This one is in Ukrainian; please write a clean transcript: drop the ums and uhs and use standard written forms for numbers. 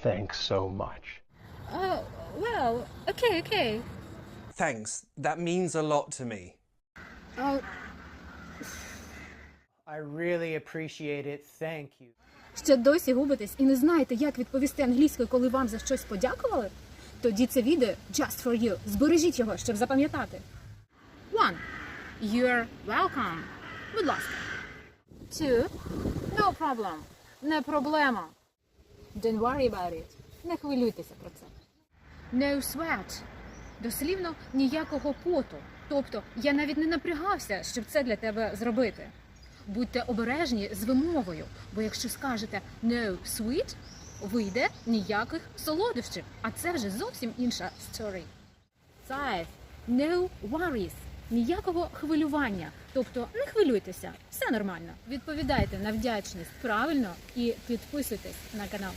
Thanks so much. Oh, well, okay. Thanks. That means a lot to me. Oh, I really appreciate it. Thank you. ще досі губитесь і не знаєте, як відповісти англійською, коли вам за щось подякували? Тоді це відео just for you. Збережіть його, щоб запам'ятати. 1. You're welcome. Будь ласка. 2. No problem. Не проблема. Don't worry about it. Не хвилюйтеся про це. No sweat. Дослівно ніякого поту. Тобто, я навіть не напрягався, щоб це для тебе зробити. Будьте обережні з вимовою, бо якщо скажете no sweet, вийде ніяких солодощів, а це вже зовсім інша story. 5. No worries. Ніякого хвилювання. Тобто, не хвилюйтеся, все нормально. Відповідайте на вдячність правильно і підписуйтесь на канал.